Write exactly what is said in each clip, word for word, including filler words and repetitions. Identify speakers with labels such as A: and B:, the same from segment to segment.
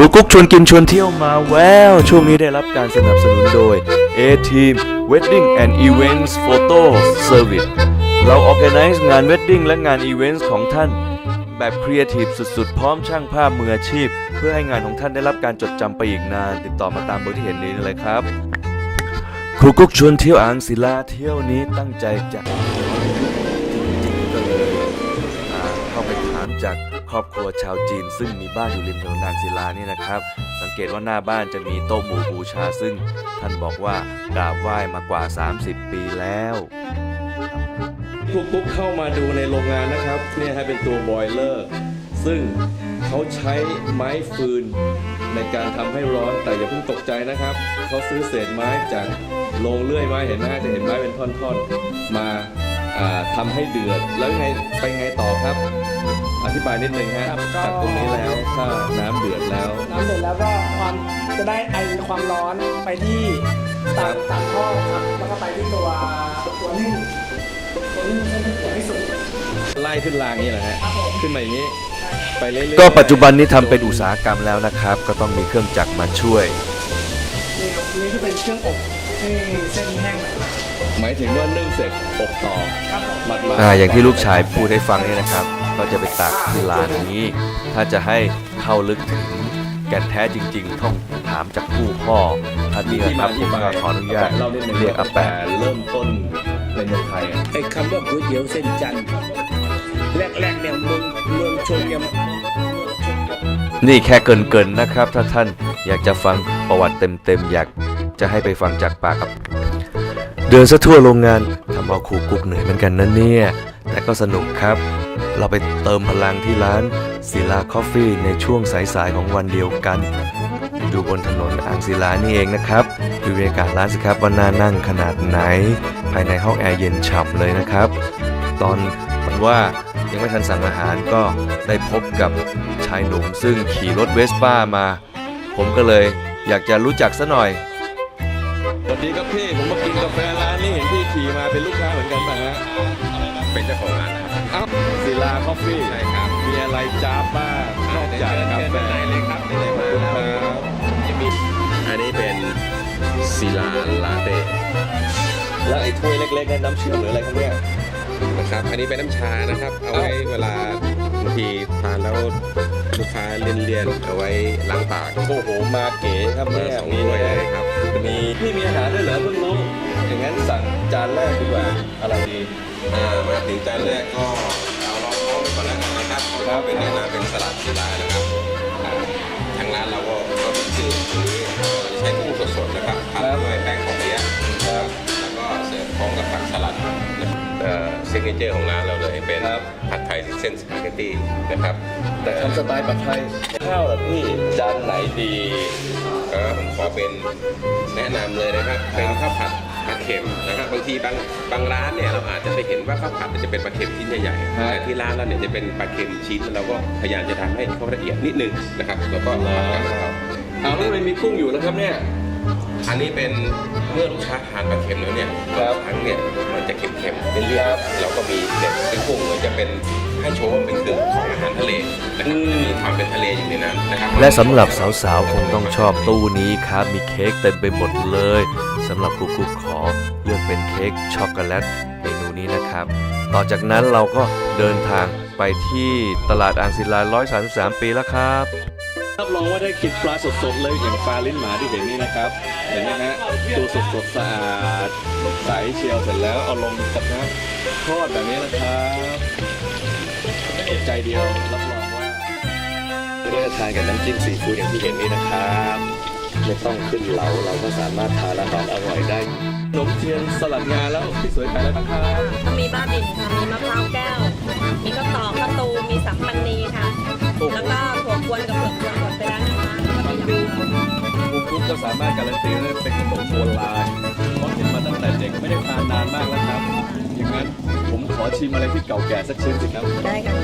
A: รูกุ๊กชวนกินชวนเที่ยวมาแววช่วงนี้ได้รับการสนับสนุนโดย A-Team Wedding and Events Photo Service เรา Organize งาน Wedding และงาน Events ของท่านแบบครีเอทีฟสุดๆพร้อมช่างภาพมืออาชีพเพื่อให้งานของท่านได้รับการจดจำไปอีกนานติดต่อมาตามเบอร์ที่เห็นนี้เลยครับครูกุ๊กชวนเที่ยวอ่างศิลาเที่ยวนี้ตั้งใจจะจริงๆก็เลยเข้าไปถามจากครอบครัวชาวจีนซึ่งมีบ้านอยู่ริมถนนอ่างศิลานี่นะครับสังเกตว่าหน้าบ้านจะมีโต๊ะหมู่บูชาซึ่งท่านบอกว่ากราบไหว้มากว่าสามสิบปีแล้วครูกุ๊กเข้ามาดูในโรงงานนะครับเนี่ยให้เป็นตัวบอยเลอร์ซึ่งเขาใช้ไม้ฟืนในการทำให้ร้อนแต่อย่าเพิ่งตกใจนะครับเขาซื้อเศษไม้จากโรงเลื่อยไม้เห็นไหมจะเห็นไม้เป็นท่อนๆมาทำให้เดือดแล้วไงไปไงต่อครับอธิบายนิดนึงฮะจากตรงนี้แล้วถ้าน้ำเดือดแล้ว
B: น้ำเดือดแล้วก็ความจะได้ไอความร้อนไปที่ตามตามท่อครับแล้วก็ไปที่ตัวตัวนึ่งตัวนึ่งให้มันเดือดให้สุด
A: ไล่ขึ้นรางนี้แหละฮะขึ้นมาอย่างนี้ไปเรื่อยๆก็ปัจจุบันนี้ทำเป็นอุตสาหกรรมแล้วนะครับก็ต้องมีเครื่องจักรมาช่วย
B: นี่ครับนี่ก็เป็นเครื่องอบให้เส้นแห้ง
A: หมายถึงว่านึ่งเสร็จอบต่อมัดมาอ่าอย่างที่ลูกชายพูดให้ฟังนี่นะครับก็จะไปตักที่ร้านนี้ถ้าจะให้เข้าลึกถึงแก่นแท้จริงๆต้องถามจากผู้พ่อท่านนี้นะครับผมขออนุญาตเรียกอาแปะเริ่มต้นในเมืองไทย
C: ไอ้คำว่าก๋วยเตี๋ยวเส้นจันทร์แรกๆเนี่ยเมืองเมืองชนเนี่ย
A: นี่แค่เกินๆนะครับถ้าท่านอยากจะฟังประวัติเต็มๆอยากจะให้ไปฟังจากปากครับเดินซะทั่วโรงงานทำเอาครูกุ๊กเหนื่อยเหมือนกันนะเนี่ยแต่ก็สนุกครับเราไปเติมพลังที่ร้านศิลาคอฟฟี่ในช่วงสายๆของวันเดียวกันอยู่บนถนนอ่างศิลานี่เองนะครับดูบรรยากาศร้านสิครับว่าน่านั่งขนาดไหนภายในห้องแอร์เย็นฉ่ำเลยนะครับตอนมันว่ายังไม่ทันสั่งอาหารก็ได้พบกับชายหนุ่มซึ่งขี่รถเวสป้ามาผมก็เลยอยากจะรู้จักซะหน่อยสวัสดีครับพี่ผมมากินกาแฟร้านนี้เห็นพี่ขี่มาเป็นลูกค้าเหมือนกันป่ะฮะ
D: เป็นเจ้าของร้านครับ
A: อ้าวศิลาคอฟฟี่
D: ใช่ครับ
A: มีอะไรจ้าบ้างนอกจากกาแฟ
D: เลยครับนี่เลยมาครับอันนี้เป็นศิลาลาเต้
A: แล้วไอ้ถ้วยเล็กๆนั้นน้ำเชื่อมหรืออะไรครับเนี่ย
D: นะครับอันนี้เป็นน้ำชานะครับเอาไว้เวลาบางทีทานแล้วลูกค้าเลี่ยนๆเอาไว้ล้างปาก
A: โอ้โหมาเก๋ครับเนี่ย
D: สองถ้วยเลยครับ
A: มีพี่มีอาหารด้วยเหรอเพิ่งรู้อย่างนั้นสั่งจานแรกดีกว่าอะไรดี
D: อ่ามาถึงจานแรกก็เอาลองท้องก่อนแล้วกันนะครับก็เป็นแนะนำเป็นสลัดศิลานะครับทางร้านเราก็ก็เป็นชื่อคือใช้กุ้งสดๆนะครับผัดด้วยแป้งข้าวเปี๊ยะแล้วก็เสิร์ฟพร้อมกับผักสลัดเซิกเนเจอร์ของร้านเราเลยเป็นผัดไทยเส้นสปาเกตตี้นะครับ
A: แต่ทำสไตล์ผัดไทยข้าวเหรอพี่จานไหนดี
D: ก็ผมขอเป็นแนะนำเลยนะครับเป็นข้าวผัดปลาเค็มนะครับบางทีบางบางร้านเนี่ยเราอาจจะไปเห็นว่าข้าวผัดจะเป็นปลาเค็มชิ้นใหญ่ๆแต่ที่ร้านเราเนี่ยจะเป็นปลาเค็มชิ้นเราก็พยายามจะทำให้เขาละเอียดนิดนึงนะครับแล้วก็ผัดกับข้าว
A: เอาแล้วมันมีกุ้งอยู่นะครับเนี่ย
D: อันนี้เป็นเมื่อลูกค้าทานปลาเค็มแล้วเนี่ยบางครั้งเนี่ยมันจะเค็มๆเรื่อยๆแล้วก็มีเนี่ยเป็นกุ้งเหมือนจะเป็นให้โชว์ว่าเป็นเครื่องของอาหารทะเลนะครับมีความเป็นทะเลอยู่ในนั้นนะครับ
A: และสำหรับสาวๆคงต้องชอบตู้นี้ครับมีเค้กเต็มไปหมดเลยสำหรับครูกุ๊กขอเลือกเป็นเค้กช็อกโกแลตเมนูนี้นะครับต่อจากนั้นเราก็เดินทางไปที่ตลาดอ่างศิลาหนึ่งร้อยสามสิบสามปีแล้วครับรับรองว่าได้กินปลาสดๆเลยอย่างปลาลิ้นหมาที่เห็นนี่นะครับเห็นไหมฮะตัวสดๆสะอาดใสเชียวเสร็จแล้วเอาลงกระทะทอดแบบนี้นะครับอดใจเดียวรับรองว่าได้ทานกับน้ำจิ้มซีฟู้ดอย่างที่เห็นนี่นะครับไม่ต้องขึ้นเหลาเราก็สามารถทานอาหารอร่อยได้ขนมเทียนสลัดงาแล้วพี่สวยขายอะไรบ้างครับ
E: มีบ้าบินค่ะมีมะพร้าวแก้วมีข้าวตอกข้าวตูมีสัมปันนีค่ะแล้วก็ถั่วกวนกับเผือกกวนหมดไปแล้วนะคะแล้วก็มีน้ำ
A: ครูกุ๊กก็สามารถการันตีได้เป็นขนมโบราณเพราะกินมาตั้งแต่เด็กไม่ได้ทานนานมากแล้วครับอย่างนั้นผมขอชิมอะไรที่เก่าแก่สักชิ้นสิครับ
E: ได้ค่ะ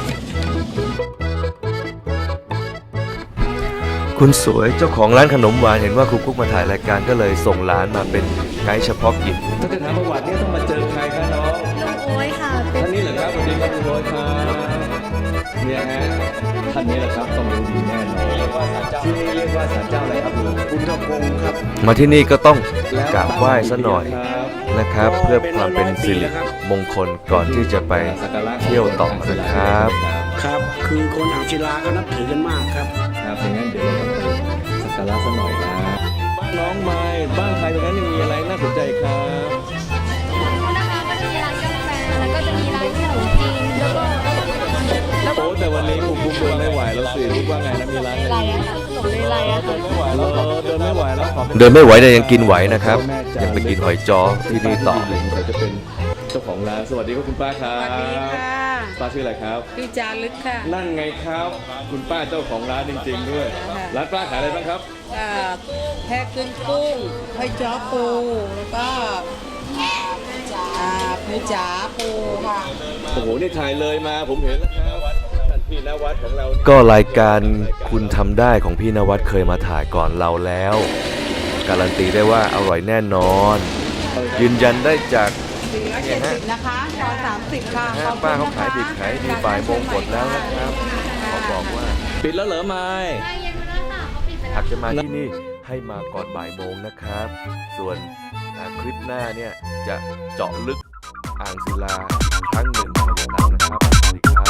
A: คุณสวยเจ้าของร้านขนมหวานเห็นว่าครูกุ๊กมาถ่ายรายการก็เลยส่งร้านมาเป็นไกด์เฉพาะกิจถ้าจะถามประวัติเนี่ยต้องมาเจอใครครับน้อง
E: น้องโอ้ยค่ะ
A: ท่านนี้เหรอครับสวัสดีครับคุณโอ้ยครับเนี่ยฮะท่านนี้แหละครับต้องรู้ดีแน่นอนว่า
C: ที่นี่เรียกว่าศาลเจ้าอะไรครับลุง
B: คุณทพงศ์ครับ
A: มาที่นี่ก็ต้องกราบไหว้
C: ตั้ง
A: ซะหน่อย
C: ครับ
A: นะครับ เพื่อความเป็นสิริมงคลก่อนที่จะไป
C: สักการะ
A: เที่ยวต่อนะครับ
B: ครับ คือคนอ่างศิลาก็นับถือกันมากครับ
C: ครับอย่างนั้นเดี๋ยวเราไปสักการะสักหน่อยนะบ้านน้องไม้บ้านใครตรงนั้นยังมีอะไรน่าสนใจครับ
F: นะคะก็จะมีร้านกาแฟแล้วก็จะมีร้านขนมจีนแล้วก็แล้วก็
C: โอ้แต่วันนี้ผมบุกเดินไม่ไหวแล้วสิรู้ว่าไงนะมีร้าน
F: อะไรอะค่ะขนมอะไรอะ
C: เดิ
F: ค่ะ
C: นไม่ไหวแล้วเดินไม่ไหวแล้วขอ
A: เดินไม่ไหวแต่ยังกินไหวนะครับ ยังไปกินหอยจ้อที่นี่ต่อ
C: เขาจะเป็นเจ้าของร้านสวัสดีครับคุณป้าครับ
E: สวัสดีค่ะ
C: ป้าชื่ออะไรครับ
E: พี่จารึกค่ะ
C: นั่นไงครับ คุณป้าเจ้าของร้านจริง ๆ ด้วย
E: ค่ะ
C: ร้านป้าขายอะไรบ้างครับ
E: อ่าแพะกึ้งกุ้งหอยจ้อปูแล้วก็อ่าปูจ๋าปูค่ะ
C: โอ้โหนี่ถ่ายเลยมาผมเห็นแล้วครับท่านพี่นวัดของเรานี่
A: ก็รายการคุณทำได้ของพี่นวัดเคยมาถ่ายก่อนเราแล้ว การันตีได้ว่าอร่อยแน่นอน ยืนยันได้จาก
E: สี่ร้อยเจ็ดสิบนะคะตอนสามสิบค่ะ
A: ห้างป้าเขาขายดิบขายดีบ่ายโมงหมดแล้วนะครับขอบอกว่า
C: ปิดแล้วเหรอไม้
A: หากจะมาที่นี่ให้มาก่อนบ่ายโมงนะครับ ส่วนอ่าคลิปหน้าเนี่ยจะเจาะลึกอ่างศิลาครั้งหนึ่งของเรานะครับสวัสดีครับ